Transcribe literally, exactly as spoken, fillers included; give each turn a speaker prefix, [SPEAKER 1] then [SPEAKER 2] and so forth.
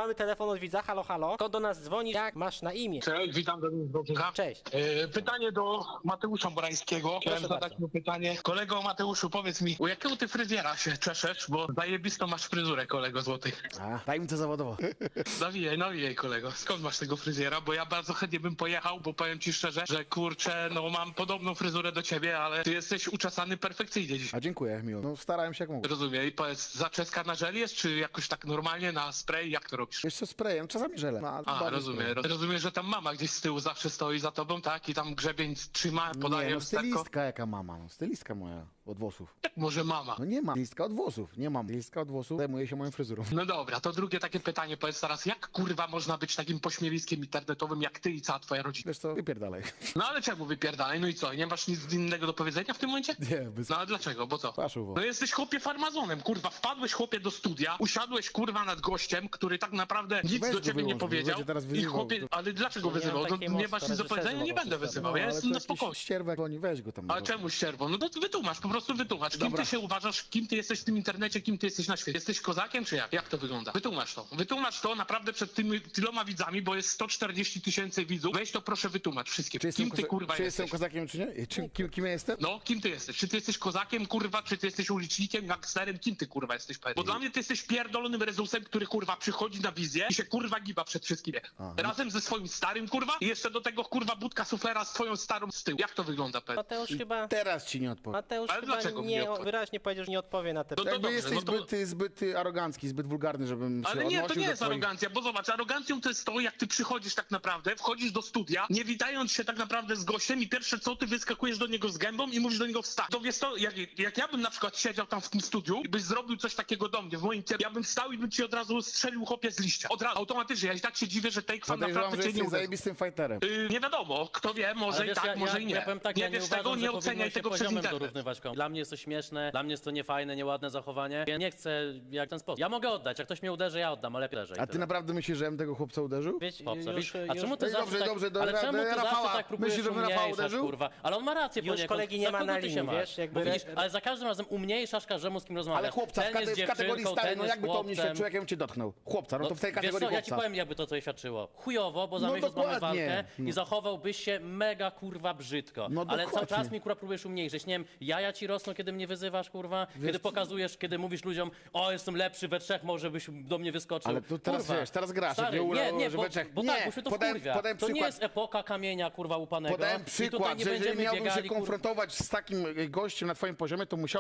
[SPEAKER 1] mamy telefon od widza, halo, halo. Kto do nas dzwoni, jak masz na imię?
[SPEAKER 2] Cześć, witam do Dobrzycha.
[SPEAKER 1] Cześć.
[SPEAKER 2] E, pytanie do Mateusza Borańskiego. Chciałem
[SPEAKER 1] Proszę
[SPEAKER 2] zadać
[SPEAKER 1] bardzo.
[SPEAKER 2] mu pytanie. Kolego Mateuszu, powiedz mi, u jakiego ty fryzjera się czeszesz? Bo zajebistą masz fryzurę, kolego złoty.
[SPEAKER 3] A, daj mi to zawodowo.
[SPEAKER 2] Nawijaj, nawijaj, kolego. Skąd masz tego fryzjera? Bo ja bardzo chętnie bym pojechał, bo powiem ci szczerze, że kurczę, no mam podobną fryzurę do ciebie, ale ty jesteś uczesany perfekcyjnie dziś.
[SPEAKER 3] A dziękuję, miło. No starałem się jak mogłem.
[SPEAKER 2] Rozumiem. I powiedz, zaczeska na żel jest, czy jakoś tak normalnie na spray? Jak to robisz?
[SPEAKER 3] Wiesz co, sprayem, czasami żelem. No, ale
[SPEAKER 2] A,
[SPEAKER 3] bardziej
[SPEAKER 2] rozumiem.
[SPEAKER 3] sprayem.
[SPEAKER 2] Roz- Rozumiem, że tam mama gdzieś z tyłu zawsze stoi za tobą, tak? I tam grzebień trzyma, podaje
[SPEAKER 3] Nie, no
[SPEAKER 2] wstępko.
[SPEAKER 3] stylistka jaka mama, no stylistka moja od włosów.
[SPEAKER 2] Jak może mama?
[SPEAKER 3] No nie mam, stylistka od włosów, nie mam. Stylistka od włosów zajmuje się moją fryzurą.
[SPEAKER 2] No dobra, to drugie takie pytanie, powiedz teraz, jak kurwa można być takim pośmiewiskiem internetowym jak ty i cała twoja rodzina?
[SPEAKER 3] Wiesz co, wypierdalaj.
[SPEAKER 2] No ale czemu wypierdalaj? No i co? Nie masz nic innego do powiedzenia w tym momencie?
[SPEAKER 3] Nie, bez...
[SPEAKER 2] No ale dlaczego? Bo co?
[SPEAKER 3] Paszowo.
[SPEAKER 2] No jesteś chłopie farmazonem, kurwa, wpadłeś chłopie do studia, usiadłeś kurwa nad gościem, który tak naprawdę nic
[SPEAKER 3] Weź
[SPEAKER 2] do
[SPEAKER 3] go
[SPEAKER 2] ciebie nie
[SPEAKER 3] wyłącz, bo
[SPEAKER 2] powiedział
[SPEAKER 3] będzie teraz
[SPEAKER 2] i
[SPEAKER 3] wyzywał.
[SPEAKER 2] chłopie, ale dlaczego
[SPEAKER 1] Nie mam
[SPEAKER 2] wyzywał?
[SPEAKER 1] takiej
[SPEAKER 2] No, nie
[SPEAKER 1] mocy,
[SPEAKER 2] masz
[SPEAKER 1] to
[SPEAKER 2] nic do
[SPEAKER 1] reżyserzy
[SPEAKER 2] powiedzenia, nie
[SPEAKER 1] mogą
[SPEAKER 2] będę
[SPEAKER 1] wszystko.
[SPEAKER 2] wyzywał, ja
[SPEAKER 3] ale
[SPEAKER 2] jestem
[SPEAKER 3] to
[SPEAKER 2] na
[SPEAKER 3] jakiś
[SPEAKER 2] spokojnie.
[SPEAKER 3] ścierwek, oni weź go tam.
[SPEAKER 2] A czemu ścierwo? No to wytłumacz, po prostu wytłumacz. Kim
[SPEAKER 3] Dobra.
[SPEAKER 2] ty się uważasz, kim ty jesteś w tym internecie, kim ty jesteś na świecie? Jesteś kozakiem, czy jak? Jak to wygląda? Wytłumacz to. Wytłumacz to naprawdę przed tymi tyloma widzami, bo jest sto czterdzieści tysięcy widzów. Weź to proszę wytłumacz wszystkim.
[SPEAKER 3] Czy jestem,
[SPEAKER 2] Kim ty
[SPEAKER 3] koza-
[SPEAKER 2] kurwa
[SPEAKER 3] czy
[SPEAKER 2] jesteś?
[SPEAKER 3] jestem kozakiem, czy nie? Czy, kim, kim ja jestem?
[SPEAKER 2] No, kim ty jesteś? Czy ty jesteś kozakiem, kurwa, czy ty jesteś ulicznikiem, gangsterem? Kim ty, kurwa, jesteś? Powiedz. Bo dla mnie ty jesteś pierdolonym rezusem, który, kurwa, przychodzi na wizję i się, kurwa, giba przed wszystkimi.
[SPEAKER 3] Aha.
[SPEAKER 2] Razem ze swoim starym, kurwa, i jeszcze do tego, kurwa, budka suflera z twoją starą z tyłu. Jak to wygląda, powiedz?
[SPEAKER 1] Mateusz chyba...
[SPEAKER 3] Teraz ci nie odpowiem.
[SPEAKER 1] Mateusz
[SPEAKER 2] Ale
[SPEAKER 1] chyba
[SPEAKER 2] dlaczego mi
[SPEAKER 1] nie,
[SPEAKER 2] nie odpowie?
[SPEAKER 1] wyraźnie powiedział, że nie odpowie na te
[SPEAKER 2] No to
[SPEAKER 3] Jakby
[SPEAKER 2] dobrze,
[SPEAKER 3] jesteś
[SPEAKER 2] no to-
[SPEAKER 3] zbyt, zbyt arogancki, zbyt wulgarny, żebym się
[SPEAKER 2] Ale nie, to
[SPEAKER 3] odnosił
[SPEAKER 2] nie
[SPEAKER 3] do
[SPEAKER 2] jest
[SPEAKER 3] twoich...
[SPEAKER 2] arogancja, bo zobacz, arogancją to jest to, jak ty przychodzisz tak naprawdę, wchodzisz do studia, nie witając się tak naprawdę z gościem i pierwsze co, ty wyskakujesz do niego z gębą i mówisz do niego wstań. To wiesz to, jak, jak ja bym na przykład siedział tam w tym studiu i byś zrobił coś takiego do mnie, w moim kierunku, ja bym wstał i bym ci od razu strzelił chłopie z liścia. Od razu, automatycznie, ja i tak się dziwię, że tej kwan
[SPEAKER 3] Podejrzewam,
[SPEAKER 2] naprawdę
[SPEAKER 3] że
[SPEAKER 2] cię nie
[SPEAKER 3] jesteś
[SPEAKER 2] uderzył.
[SPEAKER 3] zajebistym fighterem.
[SPEAKER 2] Yy, nie wiadomo, kto wie, może
[SPEAKER 4] Ale
[SPEAKER 2] i
[SPEAKER 4] wiesz,
[SPEAKER 2] tak,
[SPEAKER 4] ja,
[SPEAKER 2] może
[SPEAKER 4] ja,
[SPEAKER 2] i nie.
[SPEAKER 4] ja powiem tak,
[SPEAKER 2] nie
[SPEAKER 4] ja nie
[SPEAKER 2] wiesz
[SPEAKER 4] uważam,
[SPEAKER 2] tego,
[SPEAKER 4] że
[SPEAKER 2] nie
[SPEAKER 4] powinno
[SPEAKER 2] oceniaj
[SPEAKER 4] się
[SPEAKER 2] tego przez
[SPEAKER 4] poziomem
[SPEAKER 2] internet.
[SPEAKER 4] dorównywać komuś. Dla mnie jest to śmieszne, dla mnie jest to niefajne, nieładne zachowanie. Ja nie chcę jak w ten sposób. Ja mogę oddać, jak ktoś mnie uderzy, ja oddam, ale lepiej.
[SPEAKER 3] A ty naprawdę myślisz, że ja bym tego chłopca uderzył?
[SPEAKER 1] Wiesz,
[SPEAKER 4] Chłopca,
[SPEAKER 1] już,
[SPEAKER 4] widzisz?
[SPEAKER 1] już,
[SPEAKER 4] A czemu ty
[SPEAKER 3] Ej,
[SPEAKER 4] zawsze
[SPEAKER 3] dobrze,
[SPEAKER 4] tak,
[SPEAKER 3] dobrze, do
[SPEAKER 4] ale
[SPEAKER 3] Ra-
[SPEAKER 4] czemu
[SPEAKER 3] do
[SPEAKER 4] ty
[SPEAKER 3] Rafała.
[SPEAKER 4] zawsze tak próbujesz
[SPEAKER 3] Myślisz, żebym Rafała
[SPEAKER 4] umniejszać,
[SPEAKER 3] uderzył?
[SPEAKER 4] kurwa? Ale on ma rację
[SPEAKER 1] Już
[SPEAKER 4] poniekąd.
[SPEAKER 1] kolegi nie
[SPEAKER 4] Za
[SPEAKER 1] ma
[SPEAKER 4] kogo
[SPEAKER 1] na
[SPEAKER 4] ty się
[SPEAKER 1] linii,
[SPEAKER 4] masz?
[SPEAKER 1] wiesz, jakby-
[SPEAKER 4] Bo widzisz, ale za każdym razem umniejszasz każdemu, z kim rozmawiasz.
[SPEAKER 3] Ale chłopca, w,
[SPEAKER 4] ten
[SPEAKER 3] kate-
[SPEAKER 4] jest
[SPEAKER 3] w kategorii
[SPEAKER 4] dziewczynką,
[SPEAKER 3] stary,
[SPEAKER 4] ten
[SPEAKER 3] no
[SPEAKER 4] jest
[SPEAKER 3] jakby to o mnie
[SPEAKER 4] chłopcem.
[SPEAKER 3] świadczyło, jak ja bym cię dotknął. Chłopca, no to w tej
[SPEAKER 4] Wiesz
[SPEAKER 3] kategorii
[SPEAKER 4] co, ja ci
[SPEAKER 3] chłopca.
[SPEAKER 4] powiem, jakby to coś świadczyło. Chujowo, bo za
[SPEAKER 3] No
[SPEAKER 4] miesiąc mamy
[SPEAKER 3] dokładnie.
[SPEAKER 4] walkę
[SPEAKER 3] No.
[SPEAKER 4] i zachowałbyś się mega, kurwa, brzydko.
[SPEAKER 3] No
[SPEAKER 4] ale cały
[SPEAKER 3] dokładnie.
[SPEAKER 4] czas mi, kurwa, próbujesz umniejszyć. Nie wiem, jaja ci rosną, kiedy mnie wyzywasz, kurwa, kiedy pokazujesz, kiedy mówisz ludziom, o, jestem lepszy we trzech, może byś do mnie wyskoczył.
[SPEAKER 3] Ale to teraz
[SPEAKER 4] kurwa.
[SPEAKER 3] wiesz, teraz grasz,
[SPEAKER 4] Stary,
[SPEAKER 3] jak nie
[SPEAKER 4] nie,
[SPEAKER 3] udało,
[SPEAKER 4] nie,
[SPEAKER 3] że
[SPEAKER 4] bo,
[SPEAKER 3] we trzech.
[SPEAKER 4] bo
[SPEAKER 3] Nie,
[SPEAKER 4] tak, bo się to
[SPEAKER 3] podałem-
[SPEAKER 4] wkurwia.
[SPEAKER 3] podałem
[SPEAKER 4] To nie
[SPEAKER 3] przykład.
[SPEAKER 4] jest epoka kamienia, kurwa, upanego.
[SPEAKER 3] Podałem
[SPEAKER 4] I
[SPEAKER 3] przykład,
[SPEAKER 4] tutaj nie
[SPEAKER 3] że jeżeli
[SPEAKER 4] będziemy
[SPEAKER 3] miałbym się
[SPEAKER 4] biegali, kurwa.
[SPEAKER 3] konfrontować z takim gościem na twoim poziomie, to musiał